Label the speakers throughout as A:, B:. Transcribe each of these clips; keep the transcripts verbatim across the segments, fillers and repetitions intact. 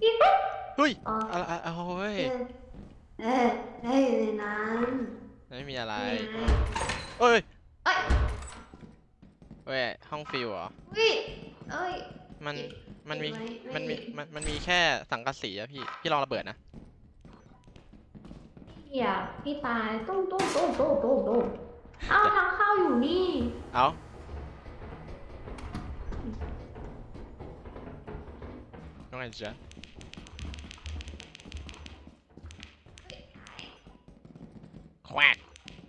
A: เฮ้ย
B: อ๋อ
A: อะไรอะโอ้ย
B: เออเออได้อยู่ในนั้น
A: ไม่มีอะไร
B: นี่ไง
A: เอ้ย
B: เอ้ย
A: เว้ยห้องฟิวเหรอ
B: วิเอ้ย
A: มัน
B: ติด
A: มันมี
B: ติดไหมไม่
A: มันมีมันมันมีแค่สังกะสีอะพี่พี่ลองระเบิดนะ
B: เหี้ยพี่ตายตุ้มตุ้มตุ้มตุ้มตุ้มตุ้มเอ้าทางเข้าอยู่นี่
A: เอาน้องไงจ๊ะแควก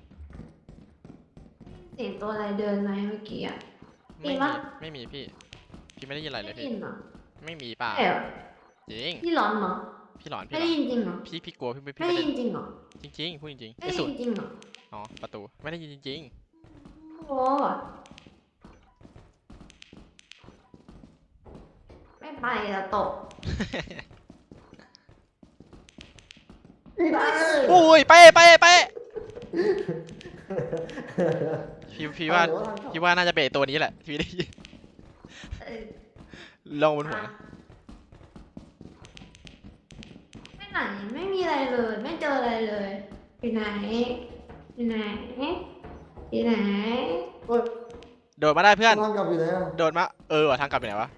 B: เสียงตัวอะไรเดินไหมเมื่อกี้อ่ะได้
A: ไม่มี
B: ยินปะ
A: ไม่มีพี่พี่ไม่ได้ยินอะไร
B: ไม่
A: เลยพี่
B: ได้ยินเหรอ
A: ไม่มีเปล่า
B: ใช่เหรอ
A: จริง
B: พี่ร้อนเหรอ
A: พี่หลอน
B: ไม่ได้
A: พี่หลอน
B: ยินจริงเหรอ
A: พี่พี่กลัวพี่
B: ไม่
A: พี่ไม่ได้
B: ได้ยินจริงเหรอ
A: จริงๆพูดจริงๆ
B: ไม่ได้
A: ไอ้สุด
B: ยินจริงเหรอ
A: อ๋อประตูไม่ได้ยินจริง
B: โอ้ไม่ไปละตก
C: พี่ตาย
A: ๆอุ้ยไปไปไปพี่พี่ว่าพี่ว่าน่าจะเบะตัวนี้แหละพี่ได้ยิน
B: เออ
A: ลงบนหัว
B: อ่ะไม่ไหนไม่มีอะไรเลย ไม่เจออะไรเลยอยู่ไหนอยู่ไหนอยู่ไหน
C: เฮ้ย
A: โดดมาได้เพื่อน
C: ทางกลับอยู่ไหนอ่ะ
A: โดดมาเออว่ะทางกลับอยู่ไหนวะ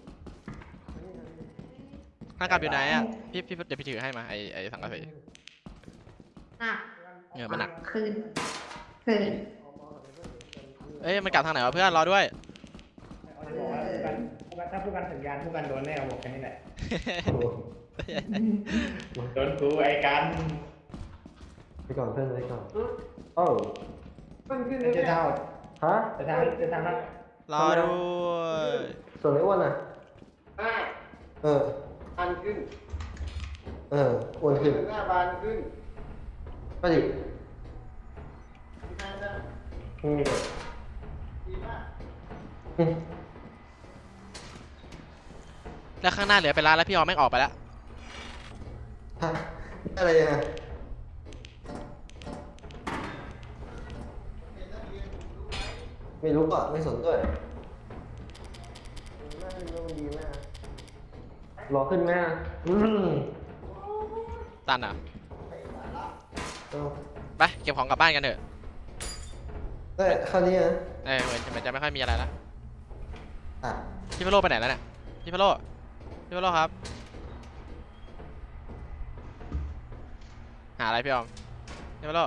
A: ทางกลับอยู่ไหนอ่ะพี่พี่เดี๋ยวพี่ถือให้มาไอไอสังกะสี
B: หนัก
A: เออมันหนัก
B: คืนคืน
A: เอ้ยมันกลับทางไหนวะเพื่อนรอด้วย
D: บอกว่าผู้กันถ้าผู้กันสัญญาณผู้กันโดนแน่บอกแค่นี้แหละ
C: โอ้
D: โดนกูไอ้กัน
C: ไปก่อนเพื่อนไปก่อนโอ้มันขึ้น
D: จะเท่า
C: ฮะ
D: จะทางจะทางนั้น
A: รอด้วย
C: ส่วนไอ้อ้วนอ่ะ
E: ห้า
C: เออ
E: พันขึ้น
C: เอออ้วนขึ้น
E: หน้าบานขึ้น
C: ก็ดิ
E: ห้าหน้า
C: อืม
E: ดีมาก
C: อืม
A: แล้วข้างหน้าเหลือเป็นร้านแล้วพี่ออมแม่งออกไปแล้ว
C: ฮะอะไรอ่ะไม่รู้อ่ะไม่สนด้วยน่าจะดีมากรอขึ้นไหมอ่ะอืม
A: ตันอ่ะ
C: เอา
A: ไปเก็บของกลับบ้านกันเถอะ
C: ได้คราวนี้อ่ะ
A: เออเหมือนมันจะไม่ค่อยมีอะไรแล้ว
C: อ่ะ
A: พี่พะโลไปไหนแล้วเนี่ยพี่พะโลพี่พะโลครับหาอะไรพี่ออมพี่พะโล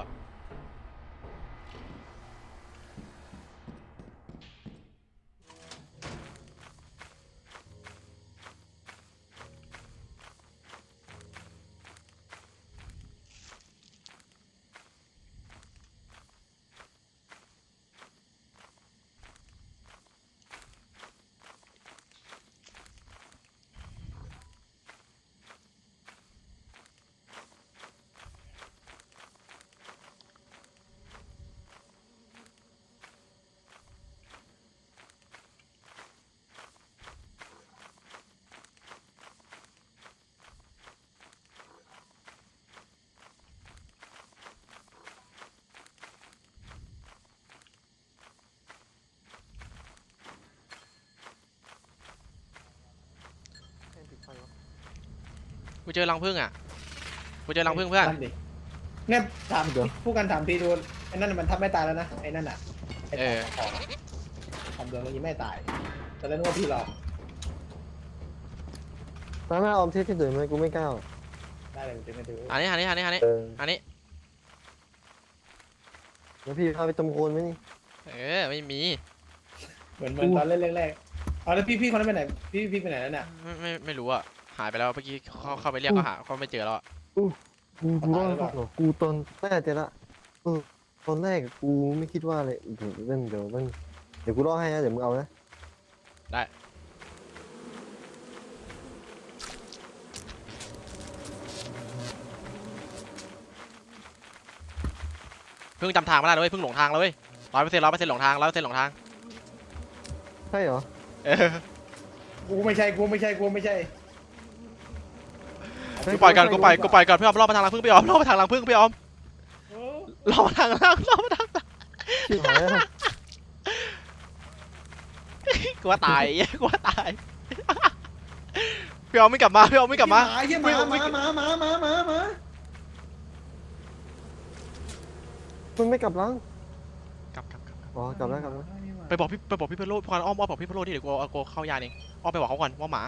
A: กูเจอรังผึ้งอ่ะกูเจอรังผึ้งเพื่อน
D: นั่นดิเนี่ยถามผู้กันถามทีดูไอ้นั่นมันทับไม่ตายแล้วนะไอ้นั่นอ่ะไอ้ของทำเดือนนี้ไม่ตายแต่แล้วนึกว่าพี่หลอก
C: ตามหน้าออมที่ที่ตื่นไหมกูไม่กล้า
D: ได้เลยจะไม่ดู
A: อันนี้อันนี้อันนี้อันนี้
C: เออ
A: อันนี้
C: แล้วพี่พาไปตำโคนไหมนี่
A: เออไม่มี
D: เหมือนเหมือนตอนเล่นแรกๆเอาแล้วพี่พี่คนนั้นไปไหนพี่พี่ไปไหนแล้วเนี่ย
A: ไม่ไม่ไม่รู้อ่ะหายไปแล้วเมื่อกี้เขาเข้าไปเรียกก็หาเขาไม่เจอแล้วอะ
C: กูกูรอดหรอกูตอนแรกเจอละเออตอนแรกกูไม่คิดว่าเลยเดี๋ยวเล่นเดี๋ยวมันเดี๋ยวกูรอให้นะเดี๋ยวมึงเอานะ
A: ได้เพิ่งจำทางไม่ได้เลยเพิ่งหลงทางเลยร้อยเปอร์เซ็นต์ร้อยเปอร์เซ็นต์หลงทางร้อยเปอร์เซ็นต์หลงทาง
C: ใช่เหรอ
A: เออ
D: กูไม่ใช่กูไม่ใช่กูไม่ใช่
A: กูปล่อยกันกูปล่อยกูปล่อยก่อนพี่ออมรอบมาทางรังผึ้งพี่ออมรอบมาทางรังผึ้งพี่ออมรอบมาทางรังรอบมาทางรัง
C: ชิบหายแล้ว
A: กูว่าตายกูว่าตายพี่ออมไม่กลับมาพี่ออมไม่กลับมา
D: เยี่ยหมาหมาหมาหมาหมาหมาหมา
C: มันไม่กลับหลัง
A: กลับกลับกลับกลับ
C: อ๋อกลับแล้วกลับแล้ว
A: ไปบอกพี่ไปบอกพี่เพโลพอนอ้อมอ้อมบอกพี่เพโลที่เดี๋ยวกูเอากูเข้ายานเองอ้อมไปบอกเขาก่อนว่าหมา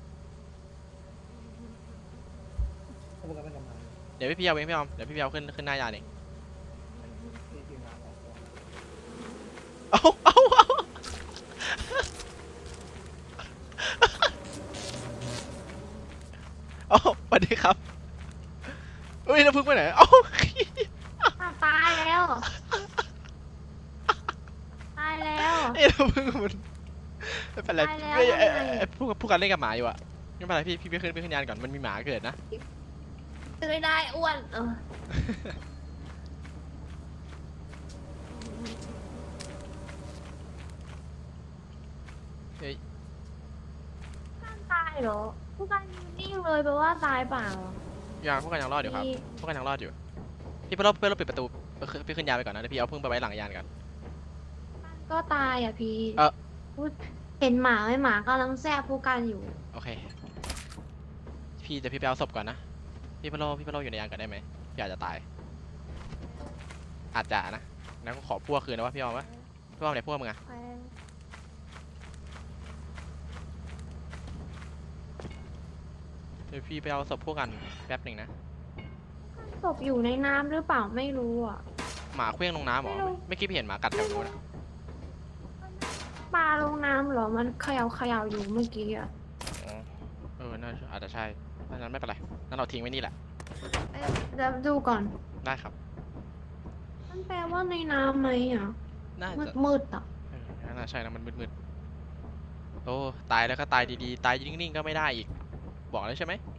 D: เขาบอกกันเป็นกำลัง
A: เดี๋ยวพี่พี่เอาเองพี่ออมเดี๋ยวพี่พี่เอาขึ้นขึ้นหน้ายานเอง
D: ที่ทีมงานบอกตัว
A: เอาเอาเอาเอาสวัสดีครับเฮ้ยน้ำพึ่งไปไหนเอ้า
B: อ้าวตายแล้ว ตายแล้ว
A: ไอ้น้ำพึ่งมันไม่เป็นไร
B: ตายแล้ว
A: ไอ้ไอ้
B: ทำไง
A: ไอ้พูดกับพูดกันเล่นกับหมาอยู่อะไม่เป็นไรพี่พี่ไปขึ้นไปขึ้นยานก่อนมันมีหมาเกิดนะ
B: ตื่นได้อ้วนเออ
A: เฮ้ย
B: การตายเหรอผู้การยืนนิ่งเลยแปลว่าตายเปล่า
A: ยังพวกกันยังรอดอยู่ครับ
B: พี่
A: พวกกันยังรอดอยู่พี่ไปรอบไปรอบปิดประตูไปขึ้นไปขึ้นยานไปก่อนนะเดี๋ยวพี่เอาพึ่งไปไว้หลังยานก่อน
B: ก็ตายอ่ะพี่
A: เอ่อ
B: พูดเห็นหมาไหมหมากำลังแซ่บผู้การอยู่
A: โอเคพี่จะพี่ไปเอาศพก่อนนะพี่ไปรอพี่ไปรออยู่ในยานก่อนได้ไหมพี่อาจจะตาย อาจจะนะงั้นก็ขอพวกคืนนะว่าพี่เอาวะพี่เอาไหนพวกมึงอะเดี๋ยวพี่ไปเอาศพพวกกันแป๊บหนึ่งนะ
B: ศพอยู่ในน้ำหรือเปล่าไม่รู้อ่ะ
A: หมาเคลื่องลงน้ำเหรอ
B: ไม่รู้
A: ไม่อกี้พี่เห็นหมากัดแถวนู้นนะ
B: ปลาลงน้ำเหรอมันเขย่าเขย่าอยู่เมื่อกี้อ่ะ
A: อ๋อเออน่าอาจจะใช่ดังนั้นไม่เป็นไรนั่นเราทิ้งไว้นี่แหละ
B: เอ้ยเดี๋ยวดูก่อน
A: ได้ครับ
B: มันแปลว่าในน้ำไหมอ่ะ
A: น่า
B: มื
A: จะ
B: ดมืดๆอ่ะ
A: เออน่าใช่นะมันมืดๆโอ้ตายแล้วก็ตายดีๆตายนิ่งๆก็ไม่ได้อีกบอกแล้วใช่ไหม